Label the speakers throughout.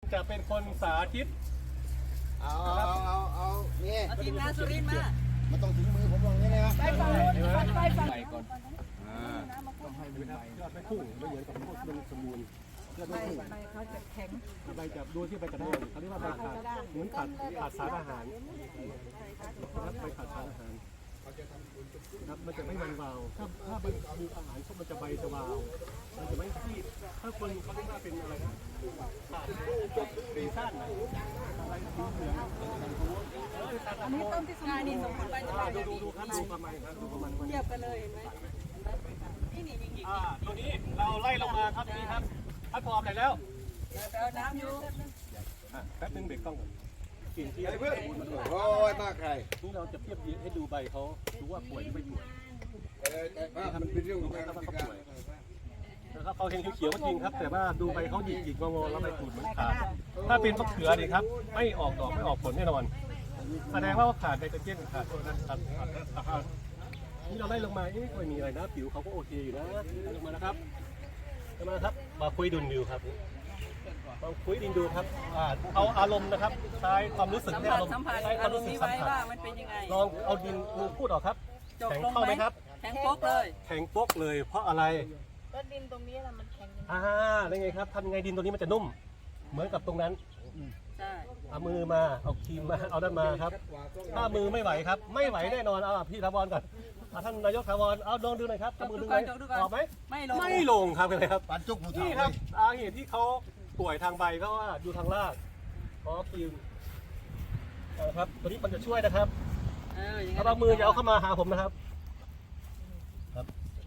Speaker 1: จะเป็นคนสาธิต
Speaker 2: เอานี่
Speaker 3: ทีมงานสุรินทร์มา
Speaker 2: มันต้องถึงมือผมลงนี่เลยนะ
Speaker 3: ไปฝั่งนู้นไปฝั่ง
Speaker 2: ก่อน
Speaker 1: ต้องให้ดูครับยอดไม่พุ่งไม่เหมือนกับพวกเป็นสมูลยอดไม่พุ่ง
Speaker 3: ใบเขาจะแข็ง
Speaker 1: ใบจับดูที่ใบกระด้างเขาเรียกว่าใบขาดเหมือนขาดสารอาหารนะครับใบขาดสารอาหารครับมันจะไม่มันวาวถ้ามันมีอาหารมันจะใบจะวาวมันจะไม่ที่ถ้าคนเขาเรียกว่าเป็นอะไรนะปีซ่านอะไรสีเหลือง
Speaker 3: อันนี้ต้นที่สมบูรณ์สมบูรณ์ใบจะใบ
Speaker 1: ดูครับดูประมาณครับดูประมาณ
Speaker 3: เทียบกันเลยเห็นไหมนี่ยิง
Speaker 1: ตัวนี้เราไล่ลงมาครับนี่ครับพัดพร้อมไหนแล้ว
Speaker 3: เอาน้ำอยู่
Speaker 1: แป๊บนึงเบรกต้องก่อนกินที่
Speaker 2: เพื่อนโอ้ยมากใคร
Speaker 1: นี่เราจะเทียบให้ดูใบเขาดูว่าป่วยหรือไม่ป่วย
Speaker 2: แต่ว่ามันเป็นเรื่องของการ
Speaker 1: เขาป่วยนะครับเขาเห็นเขียวๆจริงครับแต่ว่าดูใบเขาหยิกๆงอๆแล้วใบตูดเหมือนขาดถ้าเป็นมะเขือนี่ครับไม่ออกดอกไม่ออกผลแน่นอนแสดงว่าขาดไนโตรเจนขาดตัวนั้นครับนี่เราไล่ลงมาไม่มีอะไรนะผิวเขาก็โอเคอยู่นะลงมานะครับมาครับมาคุยดุนดูครับลองคุยดินดูครับเอาอารมณ์นะครับใช้ความรู้สึกอารมณ์ใช้ความรู้สึกสัมผัสลองเอาดินมือพูดออกครับแข็งเข้าไหมครับ
Speaker 3: แข็งโป๊กเลย
Speaker 1: แข็งโป๊กเลยเพราะอะไร
Speaker 4: ก็ดินตรงนี้แหละมันแข็ง
Speaker 1: ได้ไงครับทำไงดินตรงนี้มันจะนุ่มเหมือนกับตรงนั้น
Speaker 3: ใช่
Speaker 1: เอามือมาเอาครีมมาเอาด้านมาครับถ้ามือไม่ไหวครับไม่ไหวแน่นอนเอาพี่ถาวรก่อนท่านนายกถาวรเอาลองดูหน่อยครับมือดึงไหมออกไหมไม่ลงครับเลยครับ
Speaker 2: ปันจุกผู้
Speaker 1: นี่
Speaker 2: เฒ่า
Speaker 1: ครับเหตุที่เขาป่วยทางใบก็ว่าอยู่ทางรากขอครีมนะครับตัวนี้มันจะช่วยนะครับถ้าบางมือจะเอาเข้ามาหาผมนะครับครับ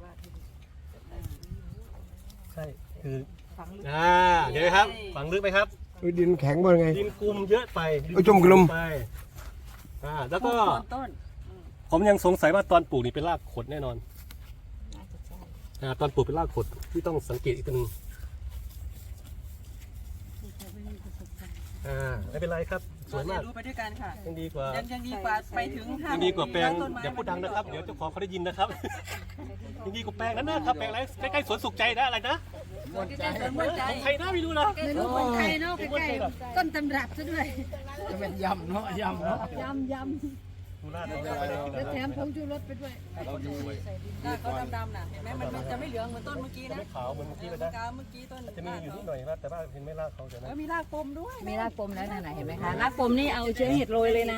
Speaker 1: ใช่คือเดี๋ยวครับฝังลึกไหมครับ
Speaker 2: ดินแข็งบ่ไง
Speaker 1: ดินกลุ่มเยอะไป
Speaker 2: จุ่มกลุ่ม
Speaker 1: ไปแล้วก็ผมยังสงสัยว่าตอนปลูกนี่เป็นรากขดแน่นอนตอนปลูกเป็นรากขดที่ต้องสังเกตอีกตัวนึงไม่เป็นไรครับสวยมาก
Speaker 3: ดูไปด้วยกันค่ะ
Speaker 1: ยังดีกว่า
Speaker 3: ไปถึง
Speaker 1: ยังดีกว่าแปลงอย่าพูดดังนะครับเดี๋ยวเจ้าของเขาได้ยินนะครับยังดีกว่าแปลงนั้นนะครับแปลงอะไรใกล้ๆสวนสุขใจนะอะไรนะใครน่าไม่รู้นะ
Speaker 4: ไม่รู้คนไทยเนาะใกล้ๆต้นตำรับซะด้วย
Speaker 2: จะเป็นยำเนาะยำเนาะ
Speaker 4: ยำแล้วแถมผงชูรสไปด้วย
Speaker 3: หน้าเขาดำๆน่ะเห็นไหมมันจะไม่เหลืองเหมือนต้นเมื่อกี้นะ
Speaker 1: ไม่ขาวเหมือนเมื่อกี้เลยนะ
Speaker 3: เมื่อกี้ต้น
Speaker 1: จะมีอยู่นิดหน่อยนะแต่ว่าเห็นไม่รากเขาใช่ไหม
Speaker 3: มีรากปมด้วย
Speaker 4: มีรากปมแล้วไหนเห็นไหมคะรากปมนี่เอาเชื้อเห็ดโรยเลยนะ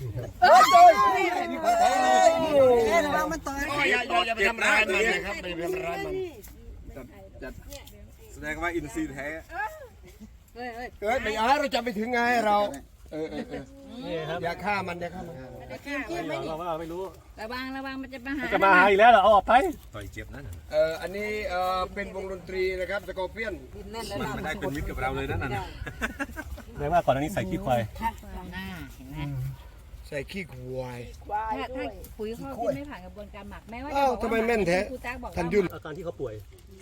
Speaker 3: ระวังมันต่อย
Speaker 2: อย่าไปทำร้ายมันนะครับไปทำร้ายมันจัดแสดงว่าอินทรีย์แท้ไม่เอาเราจะไปถึงไงเราอย่าฆ่ามัน
Speaker 1: เราว่าไม่รู้
Speaker 4: ระวังมันจะ
Speaker 1: มาหาอีกแล้วเหรอเอาออกไป
Speaker 2: ต่อยเจ็บนั่นอันนี้เป็นวงดนตรีนะครับสกอร์เปียน
Speaker 1: ไม่ได้เป็นมิตรกับเราเลยนั่นน่ะแม้ว่าก่อนหน้านี้ใส่ขี้ควาย
Speaker 2: ใส่ขี้ควาย
Speaker 4: ถ้าปุ๋ยเขาที่ไม่ผ่านกระบวนการหมักแม้ว่า
Speaker 2: ทำไมแม่นแท้ทันยุ่น
Speaker 1: อาการที่เขาป่วย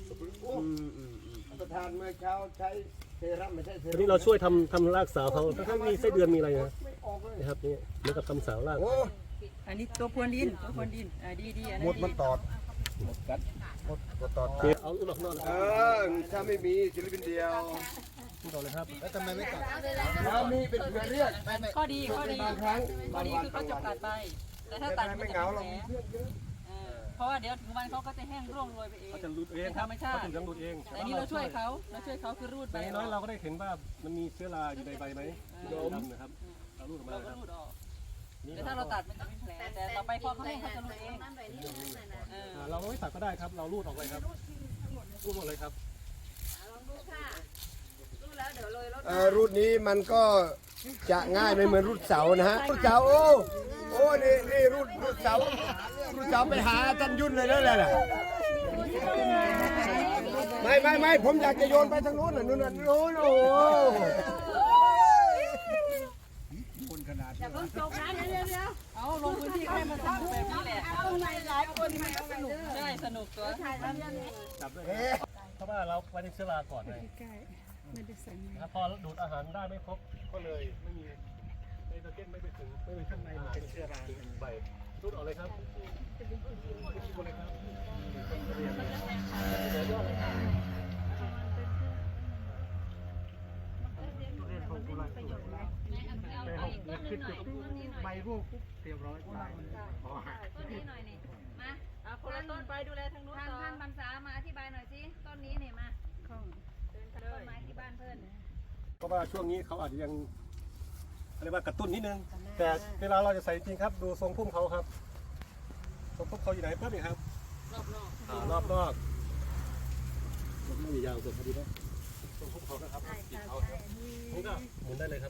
Speaker 2: ประธานเมื่อเช้าใช้เซรั่มไม่ใช่เซรั่ม
Speaker 1: วันนี้เราช่วยทำรากสาวเขาถ้ามีไส้เดือนมีอะไรนะครับนี่เหมือนกับทำสาวราก
Speaker 3: อันนี้ตัวพรวนดินดี
Speaker 2: หมดมันตอดหมดกัดหมดตอด
Speaker 1: เอาลูกหลอกนอน
Speaker 2: ถ้าไม่มีศิลปินเดียว
Speaker 1: ต่อเลยครับ
Speaker 2: แล้วทำไมไม่ตัดถ้ามีเป็นเพื่อนเรียก
Speaker 3: ข้อดี
Speaker 2: บางครั้ง
Speaker 3: คือเขาจะตัดไปแต่ถ้าตัด
Speaker 2: ไม่เหงาหรอก
Speaker 3: เพราะว่าเดี๋ยวถึงวันเขาก็จะแห้งร่วงโรยไปเอง
Speaker 1: เขาจะรูดเอง
Speaker 3: ธรรมชาติ
Speaker 1: เขาจะรูดเอง
Speaker 3: แต่นี้เราช่วยเขาคือรูดไป
Speaker 1: น้อยเราก็ได้เห็นว่ามันมีเชื้อราอยู่ในใบไหมดำนะครับเรารูดออกมาครับ
Speaker 3: แต่ถ้าเราตัดมันจะไม่แผลแต่ต่อไปพอเขาแห้งเขาจะรูดเอง
Speaker 1: เราไม่ตัดก็ได้ครับเรารูดออกเลยครับรูดหมดเลยครับ
Speaker 2: รูดนี้มันก็จะง่ายไม่เหมือนรูดเสานะฮะรูดเสาโอ้นี่รูดเสาไปหาท่านยุ่นเลยนั่นแหละไม่ผมอยากจะโยนไปทางโน้นนู่นโอ้คนขนาด
Speaker 4: อย่าเพิ่งจบนะเดี๋ยว
Speaker 3: เอาลงพื้นที่ให้มันสนุกแบบนี้แหละ
Speaker 4: เอาหลายคนให้สนุก
Speaker 3: ใช่สนุกตัว
Speaker 1: จับด้วยเพราะว่าเราไปในเชื้อราก่อนเลยพอดูดอาหารได้ไม่ครบก็เลยไม่มีไนโตรเจนไม่ไปถึงข้างในมันเป็นเชื้อราใบรูดออกเลยครับไปหกขึ้นจุดใบร่วงปุ๊บเรียบร้อย
Speaker 5: ต้นนี้หน่อยนี่มา
Speaker 3: เอาคนละต้นไปดูแลทางนู้น
Speaker 5: ท่าน
Speaker 3: ต่อ
Speaker 5: ท่านบรรษามาอธิบายหน่อยสิต้นนี้เนี่ยมาต้นไม้ที่บ้านเพื่อน
Speaker 1: เพราะว่าช่วงนี้เขาอาจจะยังอะไรว่ากระตุ้นนิดนึงแต่เวลาเราจะใส่จริงครับดูทรงพุ่มเขาครับทรงพุ่มเขาอยู่ไหนปั๊บนี่ครับรอบนอกมันไม่มียาวสุดพอดีนะทรงพุ่มเขานะครับติดเขาครับผมก็หมุนได้เลยครับ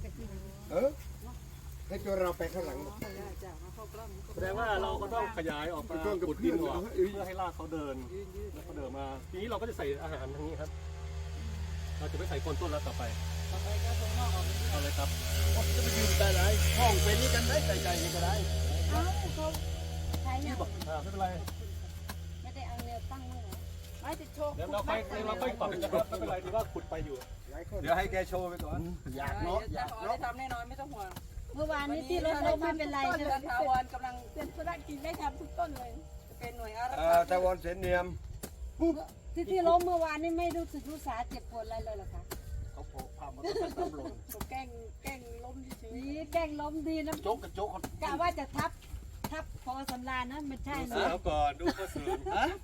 Speaker 2: ให้ตัวเราไปข้างหลัง
Speaker 1: แสดงว่าเราก็ต้องขยายออกมาขุดดินออกเพื่อให้รากเขาเดินแล้วเขาเดินมาทีนี้เราก็จะใส่อาหารทางนี้ครับเราจะไม่ใส่โคนต้นแล้วต่อไปเอาเลยครับ
Speaker 2: จะไปยืนแต่ไหนห้องเป็นนี่กันได้ใจนี่ก็ได้
Speaker 4: เอ้าเขาใช้ยัง
Speaker 1: ไม่เป็นไร
Speaker 4: ไม่ได้เอาแนวตั้งเลยเหรอไม่จะโชว์
Speaker 1: เดี๋ยวเราค่อยปรับนะครับไม่เป็นไรที่ว่าขุดไปอยู่
Speaker 2: เดี๋ยวให้แกโชว์ไปก่อนอยากเนาะอยาก
Speaker 3: ได้
Speaker 2: เนาะ
Speaker 3: ทำแน่นอนไม่ต้องห่วง
Speaker 4: เมื่อวานนี้ที่รถล้มไม่เป็นไรใช่ไหม
Speaker 3: ทาวรกำลังเป็นธุรกิจได้ทำทุกต้นเลยเป็นหน่วยอารักขา
Speaker 2: แต่วอนเสนเนียม
Speaker 4: ที่ล้มเมื่อวานนี้ไม่รู้สึกรู้สาเจ็บปวดอะไรเลยเหรอคะ
Speaker 1: เขาโผล่พามาต้นลง
Speaker 3: ผมแกล้งล้มเฉย
Speaker 4: นี่แกล้งล้มดีนะ
Speaker 2: โจ๊กกับโจ๊ก
Speaker 4: กะว่าจะทับพอสำราญนะไม่ใช่
Speaker 1: ดู
Speaker 4: นะ
Speaker 1: เสือก่อนดูข้อเสือก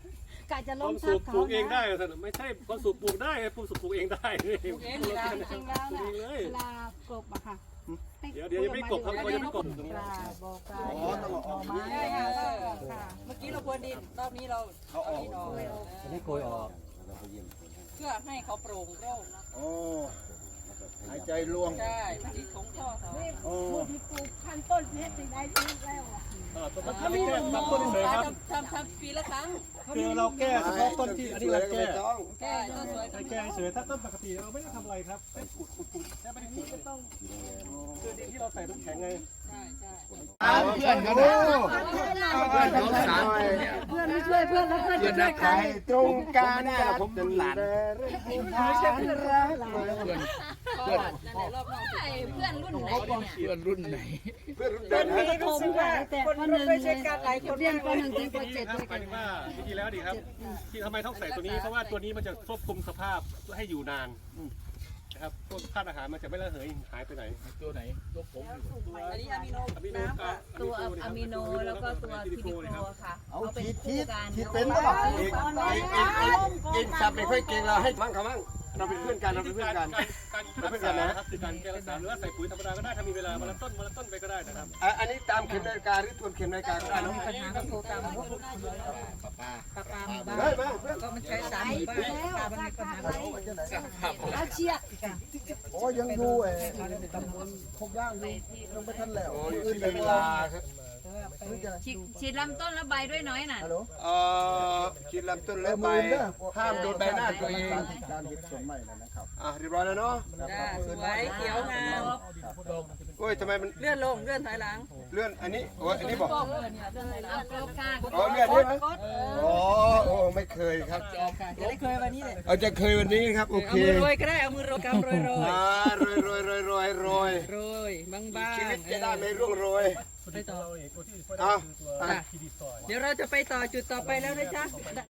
Speaker 4: ะจะ
Speaker 1: ค
Speaker 4: ล้
Speaker 1: วาม ม
Speaker 4: ทั
Speaker 1: สุ
Speaker 4: บ
Speaker 1: ขป
Speaker 4: เขา
Speaker 1: ลูกเองได้
Speaker 4: นะ
Speaker 1: แต่ไม่ใช่ความสุขปลูกได้ความสุขปลูกเองได้
Speaker 3: ๆเองนี่นะจริงแล้ว
Speaker 1: ปลูก
Speaker 3: นะ
Speaker 1: เองเลย
Speaker 4: เวลากบอะค่ะ
Speaker 1: เดี๋ยวยังไม่กบครับเขายังไม่กบตรงนี้
Speaker 4: ปลาบอกปลา
Speaker 2: อ๋อต้องออก
Speaker 3: ใช่ค่ะเมื่อกี้เราพรวนดินรอบนี้เราเอาดินออก
Speaker 1: อันนี้โกยออก
Speaker 3: เพื่อให้เขาโปร่งโล่ง
Speaker 2: โอ้หายใจล่วง
Speaker 3: ใช่มันดีของข้อเขา
Speaker 2: โอ้
Speaker 4: ผู้ที่ปลูกพันต้นเพชรได้ทีแล้วอะ
Speaker 1: ต้นมะขามแก้ทำต้นเฉยครับ
Speaker 3: ทำปีละครั้ง
Speaker 1: คือเราแก้เฉพาะต้นที่อันนี้เราแก้
Speaker 3: แก้ต้นสวย
Speaker 1: ใช้แก้เฉยถ้าต้นปกติเราไม่ได้ทำอะไรครับแค่ขุดแค่ไม่ได้ขุดคือดินที่เราใส่น้ำแข็งไง
Speaker 3: ใช่ใช่
Speaker 2: เพื่อนกันนะเพื่อนเขาสาม
Speaker 4: เพื่อนไม่ช่วยเพื่อนแล้วเพื่อนจะช่วยใคร
Speaker 2: ตรงกลางเนี่ยผมเป็นหลาน
Speaker 4: ไม่ใช่เพื่อนรัก
Speaker 3: เพื่อนนั่นแหละรอบนอก
Speaker 5: เพื่อนรุ่นไหนเนี่ย
Speaker 2: เพื่อนรุ่น
Speaker 4: เพื่
Speaker 2: เดิ
Speaker 4: อน
Speaker 2: น
Speaker 4: มีประถมค่ะแต่ปหนึ่งเลยเรียนปหนึ่งถึงปเจ็ด
Speaker 1: ค
Speaker 4: ด้
Speaker 1: รั
Speaker 4: ว
Speaker 1: บ
Speaker 4: ย
Speaker 1: ห
Speaker 4: กั
Speaker 1: มาย
Speaker 4: น
Speaker 1: ถึงว่าวิธีแล้วดีครับ ที่ทำไมต้องใส่ตัวนี้เพราะว่าตัวนี้มันจะควบคุมสภาพให้อยู่นานนะครับพวกธาตุอาหารมันจะไม่ระเหยหายไปไหน
Speaker 2: ตัวไหนตัวผม
Speaker 3: อันนี้อะมิโน
Speaker 1: อะมิโน
Speaker 3: น้ำค่ะ
Speaker 5: ตัวอะมิโนแล้วก็ตัวทีดิโคค่ะ
Speaker 2: เอา
Speaker 5: เขาเป็น
Speaker 2: คิด
Speaker 5: คู่กัน
Speaker 2: คิดเป็นหรือเปล่าเองสับไม่ค่อยเก่งเราให้มั่งเขามั่งเราเป็นเพื่อนกันเราเป็นเพื่อนกัน
Speaker 1: การรักษานะครับคือการแก้รักษาหรือว่าใส่ปุ๋ยธรรมดาก็ได้ถ้ามีเวลาวันละต้นไปก็ได้นะครับ
Speaker 2: อันนี้ตามเข็มนาฬิกาหรือทวนเข็มนาฬิกาก็ได้เนาะ
Speaker 3: ปัญหาโทรตามพวกปลาปลาหมู่บ้าน
Speaker 2: ได้มาเพื่อน
Speaker 3: ก็มันใช้สามหมู่บ้านปลามันมีปัญหา
Speaker 4: อาเชีย
Speaker 6: โอ้ยังดูตำบลโคกย่างอยู่ยังไม่ทันแล้ว
Speaker 2: โอ้ยอื่นเวลาครับ
Speaker 5: ฉีดลำต้นแล้วใบด้วยน้อยน่ะ
Speaker 6: ฮัลโหล
Speaker 2: คิดลำต้นแล้วไปห้ามโดนใบหน้าตัวเอง
Speaker 6: การเห็ดสวนใหม่แล้วนะครับ
Speaker 2: เรียบร้อยแล้วเนาะ
Speaker 3: จ้าสวยเขียวงาม
Speaker 2: โอ้ยทำไมมัน
Speaker 3: เลื่อนลงเลื่อนถอยหลัง
Speaker 2: เลื่อนอันนี้โอ้ยอันนี้บอก
Speaker 5: เอากรบค่ะ
Speaker 2: อ๋อเลื่อนได้ไหมอ๋อโอ้ไม่เคยครับ
Speaker 3: ค่ะจะได้เคยวันนี้เลย
Speaker 2: เอาจะเคยวันนี้ครับโอเค
Speaker 3: เอามือโรยก็ได้เอามือโรยกำโรยโรย
Speaker 2: โรยโรยโรยโรยโรย
Speaker 3: โรยบางบาง
Speaker 2: ชีวิตจะได้ไม่ร่วงโรย
Speaker 3: ไปต่อ
Speaker 1: ตัวที่ช่วยได้คือตัวคีดีซอย
Speaker 3: เดี๋ยวเราจะไปต่อจุดต่อไปแล้วนะจ๊ะ